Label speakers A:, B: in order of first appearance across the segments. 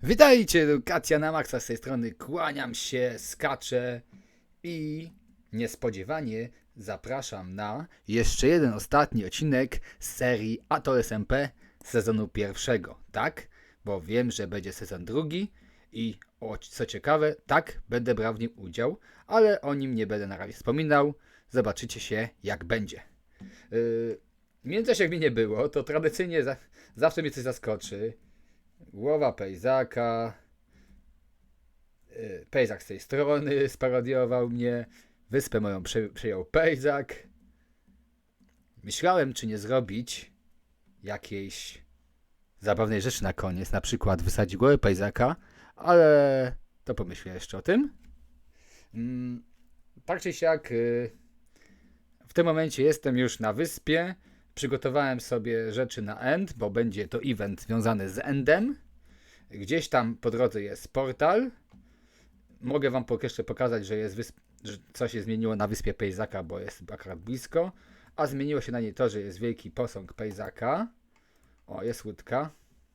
A: Witajcie, edukacja na maksa z tej strony. Kłaniam się, skaczę i niespodziewanie zapraszam na jeszcze jeden ostatni odcinek z serii Atol SMP sezonu pierwszego. Tak, bo wiem, że będzie sezon drugi i co ciekawe, tak, będę brał w nim udział, ale o nim nie będę na razie wspominał. Zobaczycie się, jak będzie. W międzyczasie, jak mi nie było, to tradycyjnie zawsze mnie coś zaskoczy. Głowa Pejzaka. Pejzak z tej strony sparodiował mnie. Wyspę moją przejął Pejzak. Myślałem, czy nie zrobić jakiejś zabawnej rzeczy na koniec. Na przykład wysadzić głowę Pejzaka, ale to pomyślę jeszcze o tym. Tak czy siak, w tym momencie jestem już na wyspie. Przygotowałem sobie rzeczy na end, bo będzie to event związany z endem. Gdzieś tam po drodze jest portal. Mogę wam jeszcze pokazać, że że coś się zmieniło na wyspie Pejzaka, bo jest akurat blisko. A zmieniło się na niej to, że jest wielki posąg Pejzaka. O, jest łódka.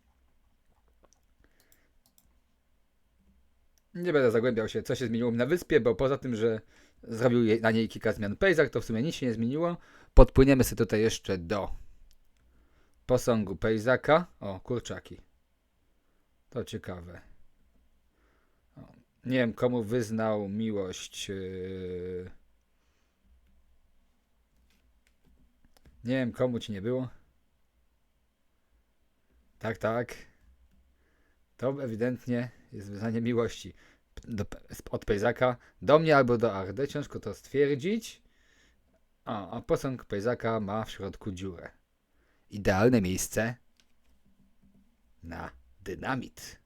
A: Nie będę zagłębiał się, co się zmieniło na wyspie, bo poza tym, że zrobił na niej kilka zmian Pejzak, to w sumie nic się nie zmieniło. Podpłyniemy sobie tutaj jeszcze do posągu Pejzaka. O, kurczaki. To ciekawe. O, nie wiem, komu wyznał miłość. Nie wiem, komu ci nie było. Tak, tak. To ewidentnie jest wyznanie miłości od Pejzaka do mnie albo do Ardy. Ciężko to stwierdzić. A posąg Pejzaka ma w środku dziurę. Idealne miejsce na dynamit.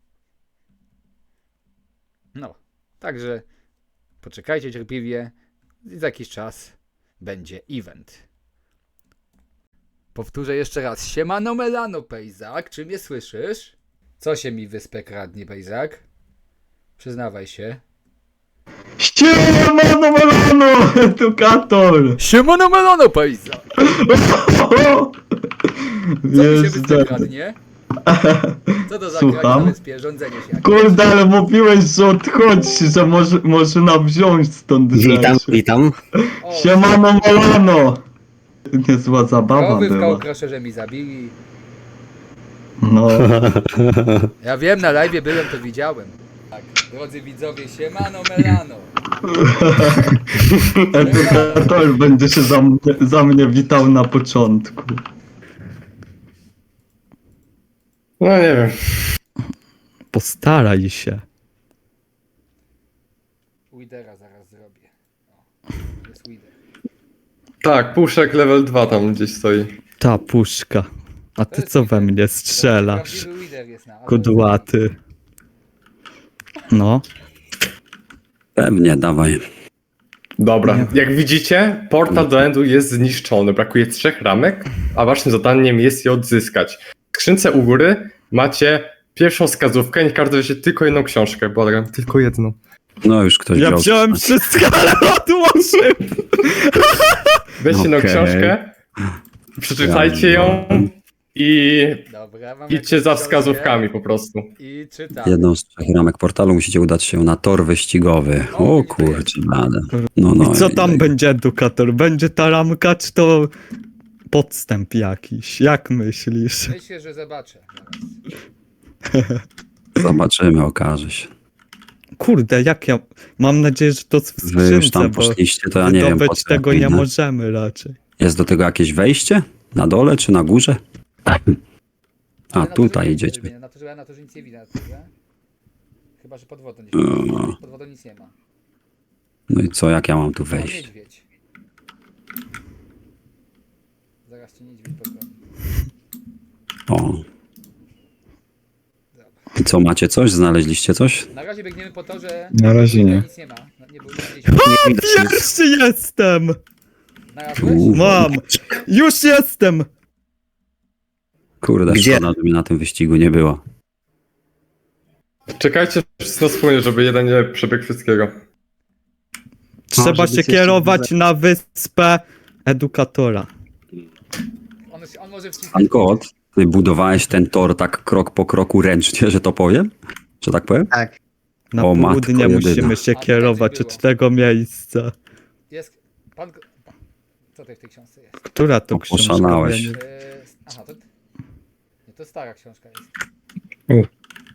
A: No, także poczekajcie cierpliwie. Za jakiś czas będzie event. Powtórzę jeszcze raz. Siemano melano, Pejzak. Czy mnie słyszysz? Co się mi wyspę kradnie, Pejzak? Przyznawaj się.
B: Siemano melano, edukator!
A: Siemano melano, Pejzak. Co mi się wyspę
B: Jestem.
A: kradnie? Co to za
B: Słucham?
A: kraj na wyspie? Rządzenie się jakieś.
B: Kurde, ale mówiłeś, że odchodź, że można wziąć stąd
C: Witam,
B: rzeczy.
C: witam.
A: O,
B: Siemano melano! Niezła zabawa
A: krowy w
B: była.
A: kołkroszerze mi zabili.
B: No,
A: Ja wiem, na live byłem, to widziałem. Tak, drodzy widzowie, siemano melano.
B: edukator będzie się za mnie witał na początku.
C: No nie wiem.
D: Postaraj się.
A: Widera zaraz zrobię. O, jest Wider.
E: Tak, puszek level 2 tam gdzieś stoi.
D: Ta puszka. A ty
A: jest
D: co
A: Wider.
D: we mnie strzelasz?
A: Prawdziwy Wider jest na.
D: Kudłaty. No.
C: Pewnie, dawaj.
E: Dobra,
D: Nie.
E: jak widzicie, portal do endu jest zniszczony. Brakuje 3 ramek, a waszym zadaniem jest je odzyskać. W skrzynce u góry macie pierwszą wskazówkę i każdy weźmie tylko jedną książkę, błagam, tylko jedną.
C: No już ktoś
D: Ja
C: wziął.
D: wziąłem wszystko, ale odłożył.
E: Weźcie jedną
C: Okej.
E: książkę, przeczytajcie ją i
A: Dobra, mam
E: idźcie
A: jakąś
E: za
A: książkę
E: wskazówkami po prostu.
A: I czytam.
C: Jedną z 3 ramek portalu musicie udać się na tor wyścigowy. O kurczę, blade. No,
D: I co tam będzie, edukator? Będzie ta ramka, czy to podstęp jakiś? Jak myślisz?
A: Myślę, że zobaczę zaraz.
C: Zobaczymy, okaże się.
D: Kurde, jak ja... Mam nadzieję, że to w
C: Wy już
D: skrzynce,
C: tam
D: bo
C: poszliście, to ja nie wiem. po
D: wydobyć
C: co
D: tego
C: ja
D: nie
C: pójdę.
D: możemy raczej.
C: Jest do tego jakieś wejście? Na dole czy na górze? A
A: Ale na to,
C: tutaj
A: że nie
C: idziecie.
A: widzę, na to, że nic nie widać. Na górze. Chyba, że pod wodą gdzieś. Pod wodą nic nie ma.
C: No i co, jak ja mam tu
A: O,
C: wejść?
A: niedźwiedź. Zaraz cię niedźwiedź pogoni.
C: O. I co, macie coś? Znaleźliście coś?
A: Na razie biegniemy po to, że
B: Na razie nie.
A: nic nie ma. No, nie było nic.
D: Pierwszy jestem!
A: Znalazłeś?
D: Mam! Już jestem!
C: Kurde,
D: Gdzie?
C: szkoda, że mnie na tym wyścigu nie było.
E: Czekajcie wszyscy na spójnie, żeby jeden nie przebiegł wszystkiego.
D: Trzeba
B: żeby
D: się
B: się
D: kierować na wyspę edukatora.
A: On może wcisnąć.
C: Pan Kot, Ty budowałeś ten tor tak krok po kroku ręcznie, że to powiem? Że tak powiem?
F: Tak.
D: Na
C: O, matko
D: południe
C: jedyna.
D: musimy się
A: A tutaj
D: kierować
A: coś
D: od
A: było.
D: tego miejsca.
A: Jest. Co tutaj w tej książce jest?
D: Która to
C: O,
D: książka?
C: oszalałeś.
D: Ja nie-
A: Aha, to. Nie, to stara książka jest.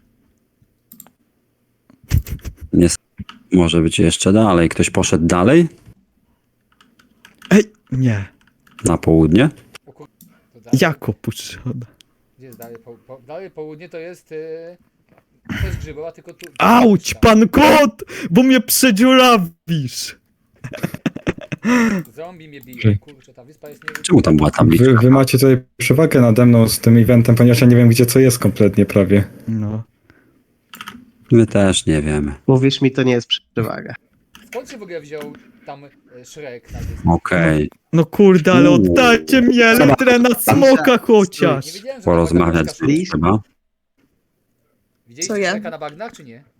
C: Nie. Może być jeszcze dalej. Ktoś poszedł dalej?
D: Ej, nie.
C: Na południe?
A: O kur... to dalej.
D: Jak opuszczona?
A: Gdzie jest dalej? Dalej południe to jest. To jest Grzybowa, tylko tu.
D: Auć, pan kot! Bo mnie przedziurawisz!
A: Zombie mnie bije. Kurczę, ta wyspa jest nie.
C: Czemu tam była tabliczka?
B: Wy macie tutaj przewagę nade mną z tym eventem, ponieważ ja nie wiem, gdzie co jest kompletnie prawie.
D: No.
C: My też nie wiemy.
F: Mówisz mi, to nie jest przewaga.
A: Skąd się w ogóle wziął tam Shrek na wyspie?
C: Okej.
D: No kurde, ale oddajcie mi elektrę na smoka
A: Nie
D: chociaż!
A: wiedziałem, że
C: Porozmawiać
A: na bagnach mieszka
C: trzeba.
A: Widzieliście
G: Co ja?
A: Shreka na bagnach, czy nie?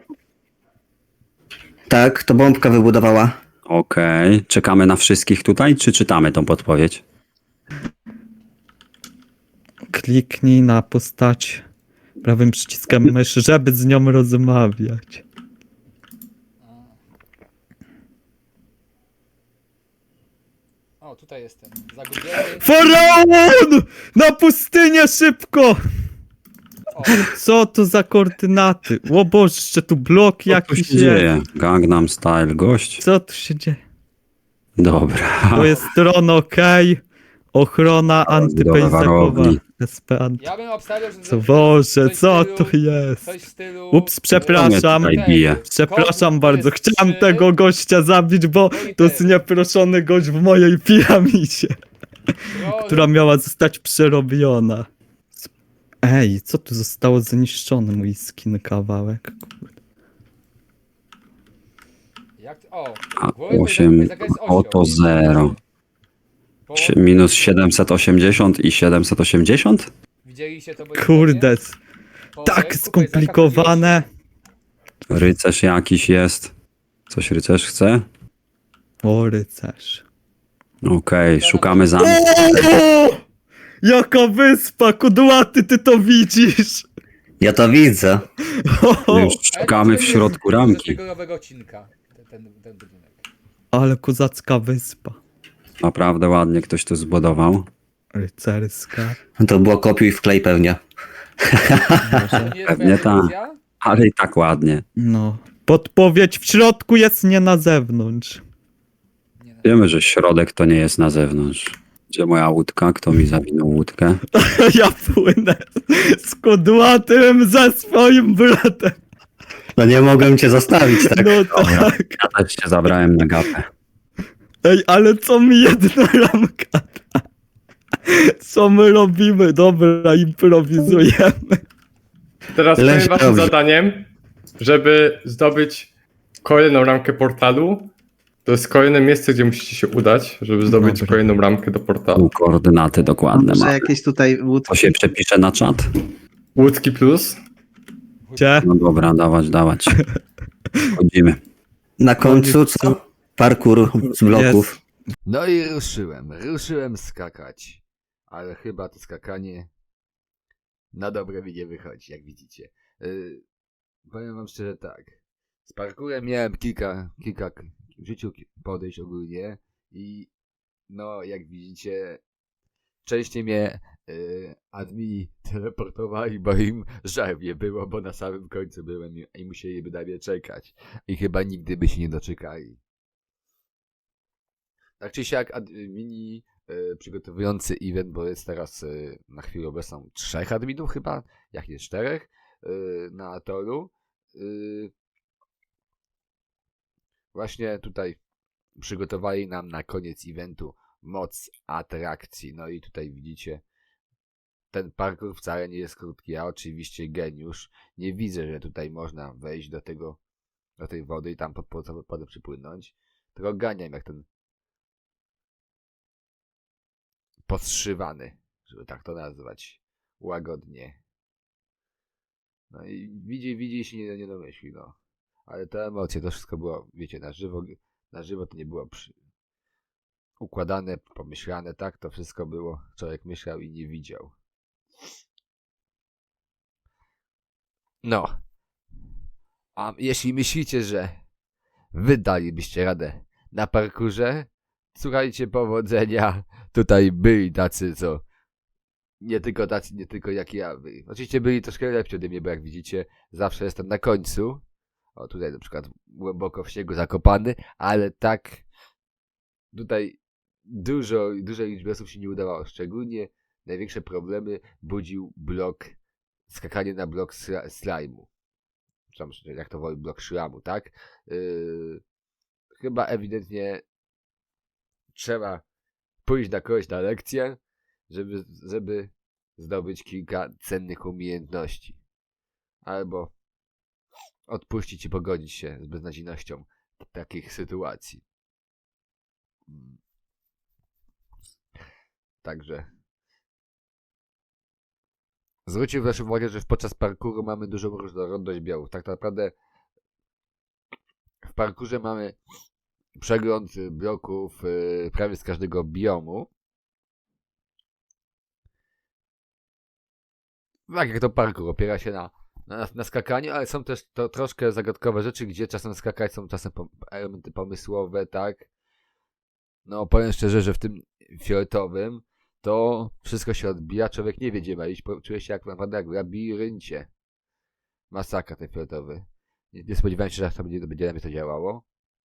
H: Tak, to bombka wybudowała.
C: Okej. Czekamy na wszystkich tutaj, czy czytamy tą podpowiedź?
D: Kliknij na postać prawym przyciskiem myszy, żeby z nią rozmawiać.
A: O, tutaj jestem. Zagubiony.
D: Faraon! Na pustynię szybko!
A: O,
D: Co to za koordynaty? O Boże, jeszcze tu blok
C: Co tu
D: jakiś
C: się
D: jest.
C: dzieje? Gangnam Style, gość.
D: Co tu się dzieje?
C: Dobra.
D: To jest tron OK. Ochrona antypejzakowa.
C: warowni.
D: SP anty...
A: ja bym obstawiał, że.
D: Co Boże,
A: coś w
D: co
A: stylu-
D: tu jest?
A: Coś w stylu.
D: Ups, przepraszam.
C: Tutaj bije.
D: Przepraszam
A: Kogut
D: bardzo,
A: jest
D: chciałem
A: 3.
D: tego gościa zabić, bo
A: No i
D: to jest
A: ten.
D: nieproszony gość w mojej piramidzie, która miała zostać przerobiona. Ej, co tu zostało zniszczone, mój skin kawałek?
A: Jak... O,
C: A
A: głowy
C: 8,
A: Pejzaka jest osioł,
C: oto
A: jest
C: 0.
A: Bo
C: Minus 780 i 780?
A: widzieliście to?
D: Kurde,
A: Po
D: tak
A: ręku
D: skomplikowane.
C: Rycerz jakiś jest. Coś rycerz chce?
D: O, rycerz.
C: Okej, szukamy zamku.
D: O! Jaka wyspa, kudłaty, ty to widzisz?
H: Ja to widzę.
D: O,
C: Już szukamy w środku ramki.
A: Z tego nowego odcinka. Ten budynek.
D: ale kozacka wyspa.
C: Naprawdę ładnie ktoś to zbudował.
D: Rycerska.
H: To było kopiuj wklej pewnie.
A: To nie jest
C: Pewnie
A: twoja
C: tak.
A: decyzja?
C: Ale i tak ładnie.
D: No. Podpowiedź w środku jest, nie na zewnątrz.
A: Nie, no.
C: Wiemy, że środek to nie jest na zewnątrz. Gdzie moja łódka? Kto mi zawinął łódkę?
D: Ja płynę z kudłatym ze swoim bratem.
H: No nie mogłem cię zostawić, tak?
D: No tak.
C: Ja też się zabrałem na gapę.
D: Ej, ale co mi jedna ramka da? Co my robimy? Dobra, improwizujemy.
E: Teraz
H: Leś
E: powiem waszym
H: dobrze.
E: zadaniem, żeby zdobyć kolejną ramkę portalu. To jest kolejne miejsce, gdzie musicie się udać, żeby zdobyć
D: Dobra.
E: kolejną ramkę do portalu.
C: Tu koordynaty dokładne
F: Może
C: ma.
F: jakieś tutaj
C: To
F: łódki.
C: się przepisze na czat?
E: Łódki plus.
D: Gdzie?
C: No dobra, dawać. Chodzimy.
H: Na końcu co? Parkour z bloków.
A: No i ruszyłem skakać. Ale chyba to skakanie na dobre mi nie wychodzi, jak widzicie. Powiem wam szczerze tak. Z parkurem miałem kilka w życiu podejść ogólnie i no jak widzicie częściej mnie admini teleportowali, bo im żal mnie było, bo na samym końcu byłem i musieliby na mnie czekać. I chyba nigdy by się nie doczekali. Tak czy siak admini przygotowujący event, bo jest teraz na chwilę obecną 3 adminów chyba, jak nie 4 na toru. Właśnie tutaj przygotowali nam na koniec eventu moc atrakcji. No i tutaj widzicie, ten parkour wcale nie jest krótki. Ja oczywiście geniusz. Nie widzę, że tutaj można wejść do tej wody i tam po wodę przypłynąć. Tylko ganiam jak ten podszywany, żeby tak to nazwać łagodnie. No i widzi się nie domyśli, no. Ale te emocje, to wszystko było, wiecie, na żywo to nie było układane, pomyślane, tak? To wszystko było, człowiek myślał i nie widział.
G: No. A jeśli myślicie, że wy dalibyście radę na parkurze, słuchajcie, powodzenia. Tutaj byli tacy, co nie tylko jak ja. Oczywiście byli troszkę lepsi ode mnie, bo jak widzicie, zawsze jestem na końcu. O, tutaj na przykład głęboko w śniegu zakopany, ale tak tutaj dużej liczbie osób się nie udawało. Szczególnie największe problemy budził skakanie na blok slajmu. Jak to woli, blok szlamu, tak? Chyba ewidentnie trzeba pójść na kogoś na lekcję, żeby zdobyć kilka cennych umiejętności. Albo odpuścić i pogodzić się z beznadziejnością takich sytuacji. Także zwróćcie waszą uwagę, że podczas parkouru mamy dużą różnorodność biomów. Tak naprawdę w parkurze mamy przegląd bloków prawie z każdego biomu. Tak jak to parkour, opiera się na skakaniu, ale są też to troszkę zagadkowe rzeczy, gdzie czasem skakać są czasem elementy pomysłowe, tak? No powiem szczerze, że w tym fioletowym to wszystko się odbija, człowiek nie wie gdzie ma iść, czuje się naprawdę jak w labiryncie. Masakra ten fioletowy. Nie spodziewałem się, że to będzie na mnie to działało.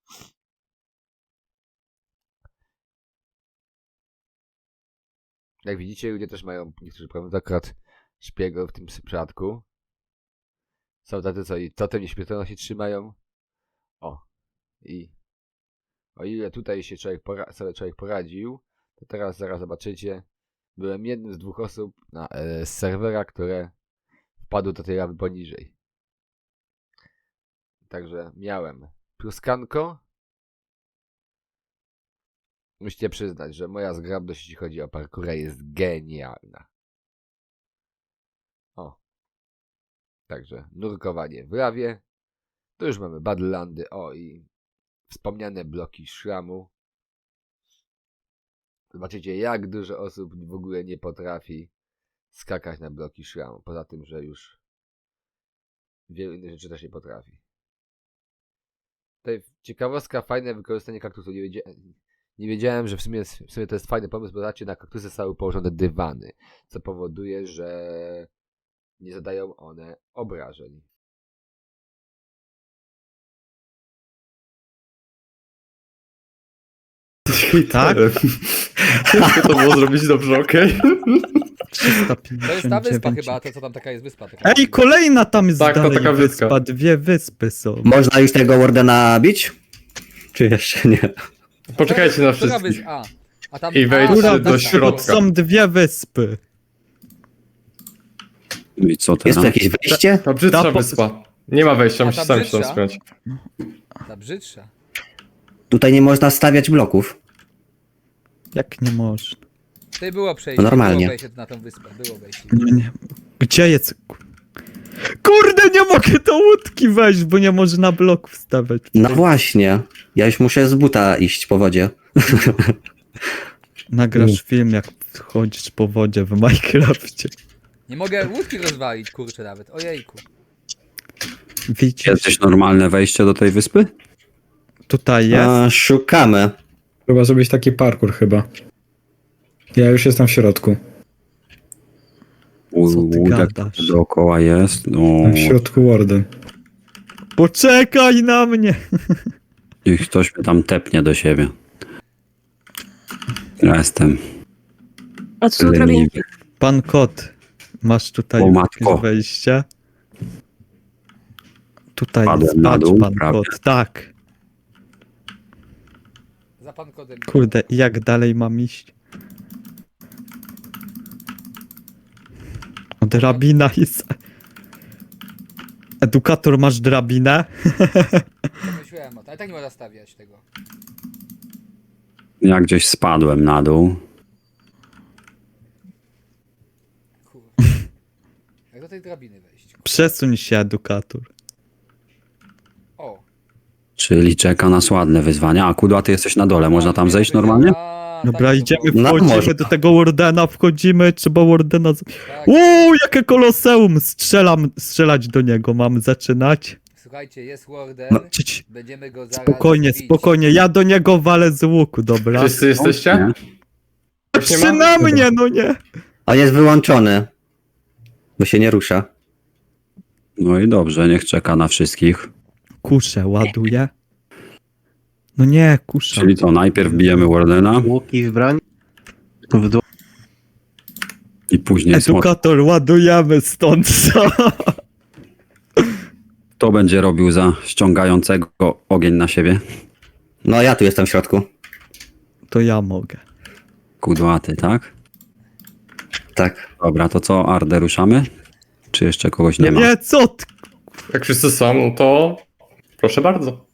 G: Jak widzicie, ludzie też mają niektórzy problem, akurat szpiegów w tym przypadku. Są tacy, co i totem nieśmiertelności trzymają. O. I o ile tutaj się sobie człowiek poradził, to teraz zaraz zobaczycie. Byłem jednym z 2 osób z serwera, które wpadły do tej lawy poniżej. Także miałem pluskanko. Musicie przyznać, że moja zgrabność, jeśli chodzi o parkurę, jest genialna. O. Także nurkowanie w lawie. Tu już mamy Badlandy. O, i wspomniane bloki szlamu. Zobaczycie, jak dużo osób w ogóle nie potrafi skakać na bloki szlamu. Poza tym, że już wielu innych rzeczy też nie potrafi. Tutaj ciekawostka, fajne wykorzystanie kaktusu. Nie wiedziałem, że w sumie to jest fajny pomysł, bo zobaczcie, na kaktusy są położone dywany, co powoduje, że nie zadają one obrażeń.
D: Tak?
E: Ciężko to było zrobić dobrze, okej?
D: 359.
A: To jest ta wyspa chyba, to co tam taka jest wyspa. Taka
D: Ej, kolejna tam jest
E: Tak, to
D: dalej
E: taka
D: wyspa.
E: wyspka.
D: 2 wyspy są.
H: Można już tego Wardena bić? Czy jeszcze nie?
E: Poczekajcie na
A: Która
E: wszystkich.
A: a tam,
E: I wejdźcie
A: tam,
E: do
A: tam,
E: środka.
D: Są 2 wyspy.
C: I co
H: Jest
C: teraz?
H: tu jakieś wyjście?
E: Ta brzydsza
D: Ta po-
E: wyspa. Nie ma wejścia,
A: A
E: musisz
A: ta
E: sam się tam
A: brzydsza?
E: spiąć.
A: Ta brzydsza.
H: Tutaj nie można stawiać bloków.
D: Jak nie można?
A: Tutaj było przejście.
H: No normalnie.
A: Było wejście na tą wyspę. Było wejście.
D: Nie. Gdzie jest? Kurde, nie mogę do łódki wejść, bo nie można bloków stawiać.
H: No właśnie. Ja już muszę z buta iść po wodzie.
D: Nagrasz film, jak chodzisz po wodzie w Minecrafcie.
A: Nie mogę łódki rozwalić, kurczę nawet. Ojejku.
D: Widzisz,
C: Jest gdzieś normalne wejście do tej wyspy?
D: tutaj jest.
H: A, szukamy.
I: Trzeba zrobić taki parkour chyba. Ja już jestem w środku.
D: Co ty
C: Łódek
D: gadasz?
C: dookoła jest. No,
I: Jestem w środku Warden.
D: Poczekaj na mnie!
C: i ktoś mnie tam tepnie do siebie. Ja jestem
J: A co tu robię?
C: leniwy.
D: Pan kot, masz tutaj
C: O, matko.
D: jakieś wejście? Tutaj
C: Padłem
D: jest,
C: na
D: patrz
C: dół,
D: pan
C: prawie.
D: kot, tak.
A: Za pan kodem.
D: Kurde, i jak dalej mam iść? O, drabina jest. Edukator, masz drabinę?
A: Myślałem o to, ale tak nie można stawiać tego.
C: Ja gdzieś spadłem na dół.
A: Kurwa. Jak do tej drabiny wejść? Kurwa.
D: Przesuń się, edukator.
A: O.
C: Czyli czeka nas ładne wyzwanie. A Kudła, ty jesteś na dole. Można tam zejść normalnie?
D: Dobra,
A: tak,
D: idziemy,
H: No,
D: wchodzimy
H: może.
D: do tego Wardena, wchodzimy, trzeba Wardena...
A: Tak.
D: Jakie koloseum! Strzelać do niego mam zaczynać.
A: Słuchajcie, jest Warden,
H: No,
A: będziemy go zaraz
D: Spokojnie,
A: bić.
D: spokojnie, ja do niego walę z łuku, dobra?
E: Wszyscy jesteście?
C: Nie?
E: Ktoś nie
D: Trzy
E: ma?
D: na mnie, no nie!
H: On jest wyłączony. Bo się nie rusza.
C: No i dobrze, niech czeka na wszystkich.
D: Kuszę ładuję. No nie, kusza.
C: Czyli co, najpierw bijemy Wardena
F: Łuki w broń. W dół.
C: i później smok.
D: Edukator, ładujemy stąd, co?
C: Kto będzie robił za ściągającego ogień na siebie?
H: No ja tu jestem w środku.
D: To ja mogę.
C: Kudłaty, tak?
H: Tak.
C: Dobra, to co, Ardę ruszamy? Czy jeszcze kogoś nie ma?
D: Nie, co ty?
E: Jak wszyscy są, no to proszę bardzo.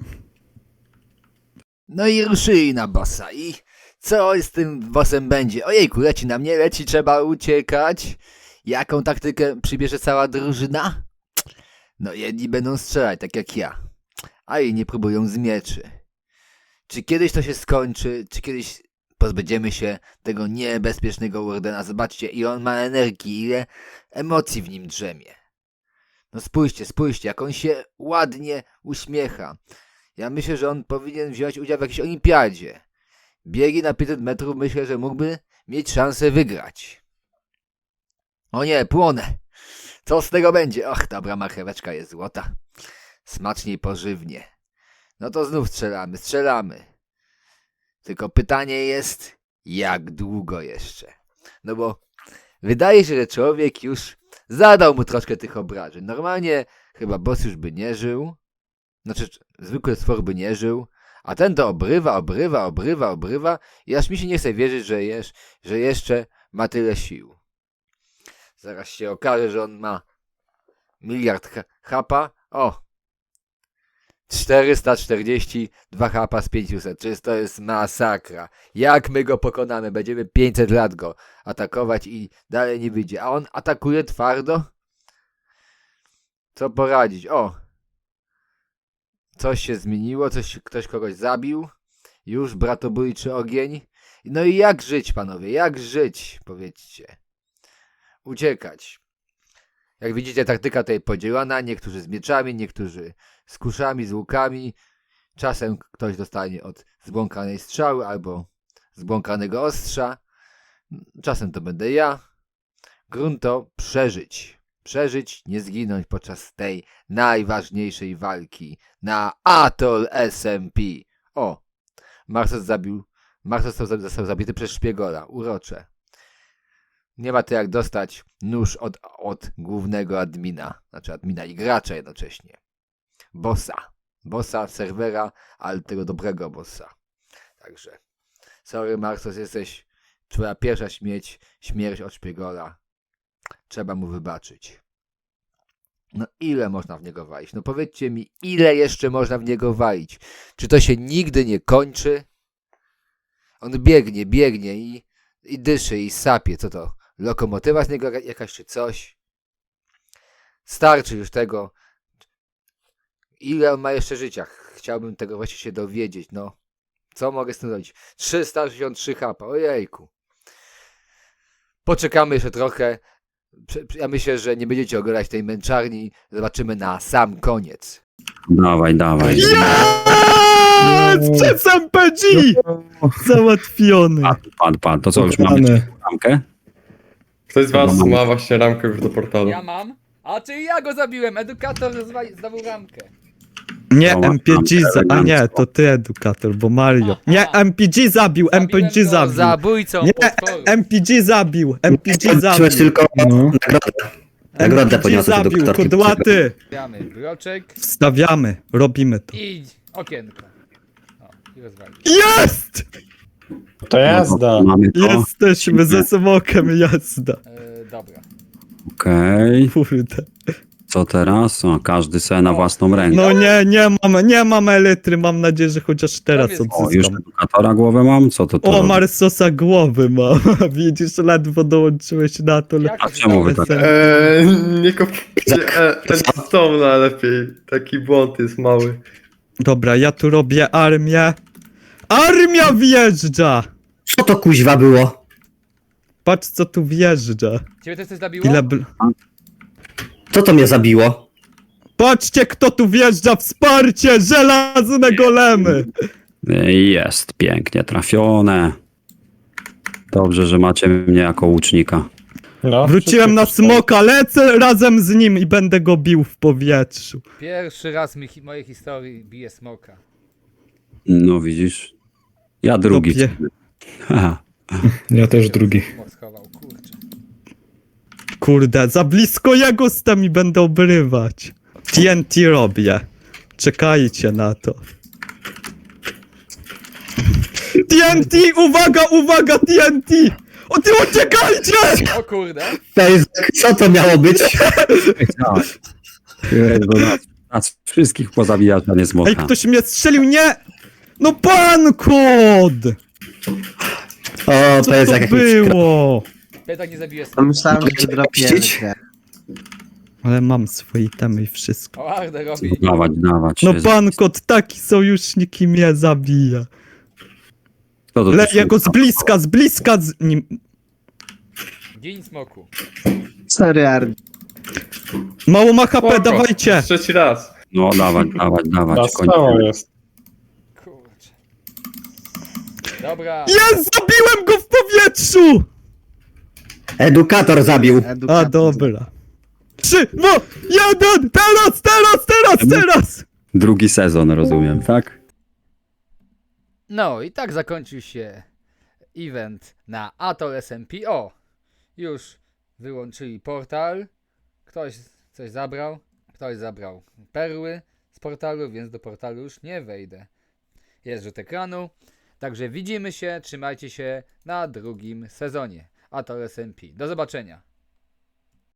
A: No i ruszyli na bossa. I co z tym bossem będzie? Ojejku, leci na mnie, leci, trzeba uciekać. Jaką taktykę przybierze cała drużyna? No jedni będą strzelać, tak jak ja. A inni próbują z mieczy. Czy kiedyś to się skończy? Czy kiedyś pozbędziemy się tego niebezpiecznego Wardena? Zobaczcie, ile on ma energii, ile emocji w nim drzemie. No spójrzcie, jak on się ładnie uśmiecha. Ja myślę, że on powinien wziąć udział w jakiejś olimpiadzie. Biegi na 500 metrów myślę, że mógłby mieć szansę wygrać. O nie, płonę. Co z tego będzie? Och, dobra marcheweczka jest złota. Smacznie i pożywnie. No to znów strzelamy. Tylko pytanie jest, jak długo jeszcze? No bo wydaje się, że człowiek już zadał mu troszkę tych obrażeń. Normalnie chyba boss już by nie żył. Znaczy, zwykły stwór by nie żył. A ten to obrywa. I aż mi się nie chce wierzyć, że jeszcze ma tyle sił. Zaraz się okaże, że on ma miliard hapa. O! 442 hapa z 500. Czyż to jest masakra. Jak my go pokonamy? Będziemy 500 lat go atakować i dalej nie wyjdzie. A on atakuje twardo? Co poradzić? O! Coś się zmieniło, ktoś kogoś zabił. Już bratobójczy ogień. No i jak żyć, panowie? Jak żyć? Powiedzcie. Uciekać. Jak widzicie, taktyka tutaj podzielona. Niektórzy z mieczami, niektórzy z kuszami, z łukami. Czasem ktoś dostanie od zbłąkanej strzały albo zbłąkanego ostrza. Czasem to będę ja. Grunt to przeżyć. Przeżyć, nie zginąć podczas tej najważniejszej walki na Atoll SMP. O! Marsos został zabity przez szpiegora. Urocze. Nie ma to jak dostać nóż od głównego admina. Znaczy admina i gracza jednocześnie. Bossa serwera, ale tego dobrego bossa. Także sorry Marsos, jesteś twoja pierwsza śmierć od szpiegora. Trzeba mu wybaczyć. No ile można w niego walić? No powiedzcie mi, ile jeszcze można w niego walić? Czy to się nigdy nie kończy? On biegnie i dyszy i sapie. Co to? Lokomotywa z niego jakaś czy coś? Starczy już tego. Ile on ma jeszcze życia? Chciałbym tego właśnie się dowiedzieć. No, co mogę z tym zrobić? 363 hapa. Ojejku. Poczekamy jeszcze trochę. Ja myślę, że nie będziecie oglądać tej męczarni. Zobaczymy na sam koniec.
C: Dawaj.
D: Przez MPG! Załatwiony.
C: Padł. To co, już mamy ramkę?
E: Ktoś z was ma właśnie ramkę już do portalu.
A: Ja mam. A czy ja go zabiłem? Edukator zdobył ramkę.
D: Nie,
C: Dobra,
D: MPG
C: mam
D: a nie,
C: elegancko.
D: to ty edukator, bo Mario. Nie, MPG zabił.
A: Zabójcą
D: Nie,
A: potworu.
D: MPG zabił.
H: Patrzyłeś tylko nagrodę. Nagrodę
D: MPG
H: poniosłeś do
D: zabił,
H: doktorki.
D: kudłaty.
A: Stawiamy bloczek
D: Wstawiamy, robimy to.
A: i okienko. O, i rozwalić.
D: Jest!
I: To jazda.
C: Mamy to.
D: Jesteśmy ze smokiem, jazda.
A: Dobra.
C: Okej.
D: Kurde.
C: Co teraz? O, każdy se na własną rękę.
D: No nie mam elitry, mam nadzieję, że chociaż teraz
A: jest-
C: O, już
D: odzyskam.
C: edukatora głowę mam? Co to
D: O,
C: robi?
D: Marsosa głowy mam. Widzisz, ledwo dołączyłeś na to.
A: Jak
C: A
A: to się
C: czemu wy
A: stało?
C: tak?
E: Nie kopijcie Endstone'a lepiej. Taki błąd jest mały.
D: Dobra, ja tu robię armię. Armia wjeżdża!
H: Co to kuźwa było?
D: Patrz co tu wjeżdża.
A: Ciebie też coś zabiło?
D: Ile
H: Co to mnie zabiło?
D: Patrzcie kto tu wjeżdża, wsparcie, żelazne golemy.
C: Jest, pięknie trafione. Dobrze, że macie mnie jako łucznika.
I: No,
D: Wróciłem na smoka, lecę razem z nim i będę go bił w powietrzu.
A: Pierwszy raz w mojej historii bije smoka.
C: No widzisz? Ja drugi.
D: Topie.
C: Haha.
I: Ja też drugi.
A: Smok schował, kurczę.
D: Kurde, za blisko jego jestem i będę obrywać. TNT robię. Czekajcie na to. TNT! Uwaga, uwaga, TNT! O ty uciekajcie!
A: O kurde!
H: Co to miało być?
C: Nas wszystkich pozabijać, a nie smoka.
D: Ej, ktoś mnie strzelił, nie! No pan kod!
H: O,
D: Co
H: to jest
D: to
H: jak
D: było?
A: Pietak nie zabije
F: To
A: smoka.
F: myślałem, że dropiemy się.
D: Ale mam swoje temy i wszystko.
A: O, Ardę robi.
C: Dawać, dawać.
D: No pan kod, taki sojusznik i mnie zabija.
C: Kto to tu
D: Ja go
C: szuka?
D: z bliska z nim.
A: Gin smoku.
F: Sorry, Ardy.
D: Mało ma HP,
E: Spoko.
D: dawajcie!
E: Trzeci raz.
C: No dawać, dawać.
I: Stało jest.
A: Kurczę. Dobra.
D: Jest! Zabiłem go w powietrzu!
H: Edukator zabił.
D: A dobra. 3, 2, 1! Teraz!
C: Drugi sezon, rozumiem, tak?
A: No i tak zakończył się event na Atoll SMP. O! Już wyłączyli portal. Ktoś coś zabrał. Ktoś zabrał perły z portalu, więc do portalu już nie wejdę. Jest rzut ekranu. Także widzimy się, trzymajcie się na drugim sezonie Atoll SMP. Do zobaczenia.